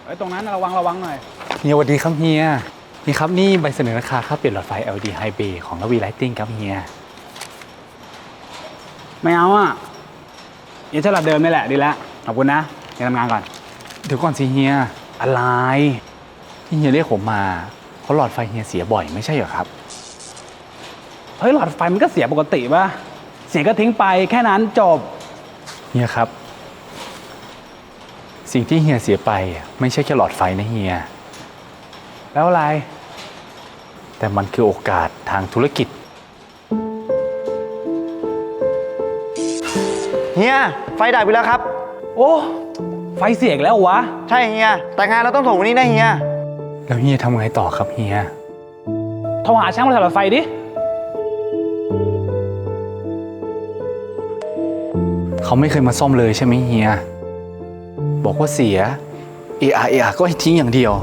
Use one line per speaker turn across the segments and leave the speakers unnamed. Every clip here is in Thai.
ไอ้ตรงนั้นระวังหน่อย
เฮียสวัสดีครับเฮียนี่ครับนี่ใบเสนอราคาค่าเปลี่ยนหลอดไฟ LED High Bay ของระวีไลติ้งครับเฮีย
ไม่เอาอ่ะยังฉลาดเดิมนี่แหละดีแล้วขอบคุณนะไปทำงานก่อน
เดี๋ยวก่อนสิเฮียอะไรที่เฮียเรียกผมมาเพราะหลอดไฟเฮียเสียบ่อยไม่ใช่เหรอครับ
เฮ้ยหลอดไฟมันก็เสียปกติป่ะเสียก็ทิ้งไปแค่นั้นจบ
เฮียครับสิ่งที่เฮียเสียไปไม่ใช่แค่หลอดไฟนะเฮีย
แล้วอะไร
แต่มันคือโอกาสทางธุรกิจ
เฮียไฟดับไปแล้วครับ
โอ้ไฟเสียอีกแล้ววะ
ใช่เฮียแต่งานเราต้องส่งวันนี้นะเฮีย
แล้วเฮียทำไงต่อครับเฮีย
โทรหาช่างมาทำหลอดไฟดิ
เขาไม่เคยมาซ่อมเลยใช่ไหมเฮียบอกว่าเสียเอก็ให้ทิ้งอย่างเดียว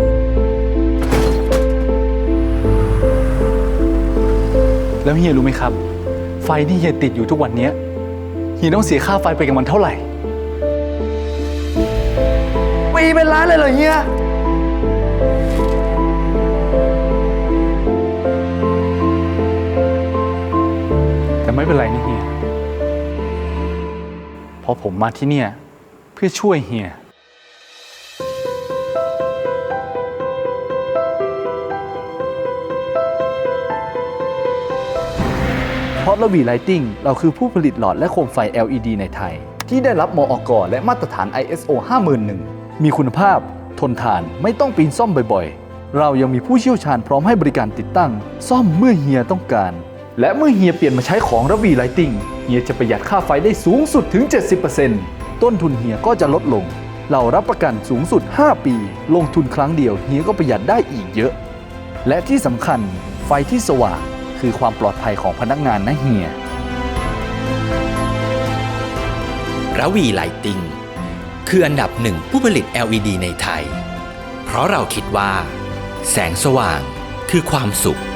แล้วเฮียรู้ไหมครับไฟที่เฮียติดอยู่ทุกวันนี้เฮียต้องเสียค่าไฟไปกับมันเท่าไหร่
ปีเป็นล้านเลยเหรอเฮีย
แต่ไม่เป็นไรนี่เฮียเพราะผมมาที่เนี่ยเพื่อช่วยเฮียเพราะระวีไลติ้งเราคือผู้ผลิตหลอดและโคมไฟ LED ในไทยที่ได้รับมอก.และมาตรฐาน ISO 51001มีคุณภาพทนทานไม่ต้องปีนซ่อมบ่อยๆเรายังมีผู้เชี่ยวชาญพร้อมให้บริการติดตั้งซ่อมเมื่อเฮียต้องการและเมื่อเฮียเปลี่ยนมาใช้ของระวีไลติ้งเฮียจะประหยัดค่าไฟได้สูงสุดถึง 70%ต้นทุนเฮียก็จะลดลงเรารับประกันสูงสุด5ปีลงทุนครั้งเดียวเฮียก็ประหยัดได้อีกเยอะและที่สำคัญไฟที่สว่างคือความปลอดภัยของพนักงานนะเฮีย
ระวีไลติ้งคืออันดับหนึ่งผู้ผลิต LED ในไทยเพราะเราคิดว่าแสงสว่างคือความสุข